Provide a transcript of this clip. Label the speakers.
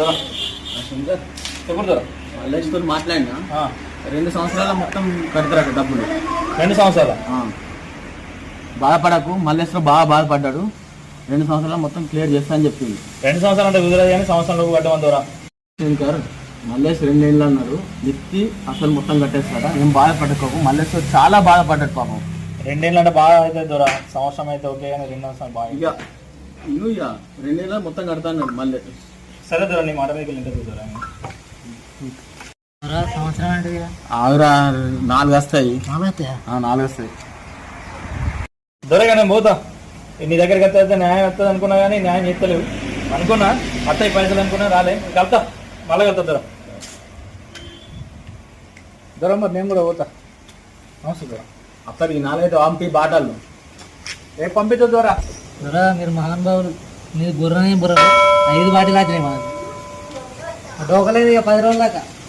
Speaker 1: ఎప్పుడు దూరం
Speaker 2: మల్లేష్తో మాట్లాడినా 2 సంవత్సరాల మొత్తం కడతారట డబ్బులు.
Speaker 1: 2 సంవత్సరాలు
Speaker 2: బాధపడకు, మల్లేశ్వరం బాగా బాధపడ్డాడు. 2 సంవత్సరాలు మొత్తం క్లియర్ చేస్తా అని చెప్పింది.
Speaker 1: 2 సంవత్సరాలు అంటే కుదరదు కానీ సంవత్సరంలో కట్టమని దూరం
Speaker 2: శంకర్ మల్లేష్ 2 ఏళ్ళు అన్నాడు, ఎత్తి అసలు మొత్తం కట్టేస్తాడా. ఏం బాధపడకోకు, మల్లేశ్వర్ చాలా బాధపడ్డాడు పాపం.
Speaker 1: 2 ఏళ్ళు అంటే బాగా అయితే దూరం, సంవత్సరం అయితే ఓకే కానీ 2 సంవత్సరాలు బాగా
Speaker 2: ఇక 2 ఏళ్ళ మొత్తం కడతా అన్నాడు మళ్ళీ.
Speaker 1: సరే దూరం నీ మాట మీద ఇంటర్వ్యూ దూరం
Speaker 3: సంవత్సరం అంటే
Speaker 2: ఆగురా, 4 వస్తాయి. 4 వస్తాయి
Speaker 1: దొరగా నేను పోతా. నీ దగ్గరికి వస్తే న్యాయం వస్తుంది అనుకున్నా కానీ న్యాయం చేస్తలేవు అనుకున్నా. అత్తయ్య పైసలు అనుకున్నా రాలే, కలుతా మళ్ళీ కలుతా దూరం దూరం. మరి నేను కూడా పోతా. నమస్తే దూరం.
Speaker 2: అప్పటికి 4 అయితే పంపి బాటలు
Speaker 1: రేపు పంపించు దూరా.
Speaker 3: మీరు మహానుభావులు. మీరు బుర్రనే బుర్ర 5 బాటిల్ వచ్చినాయి మనకు. డోకలేదు ఇక 10 రోజుల దాకా.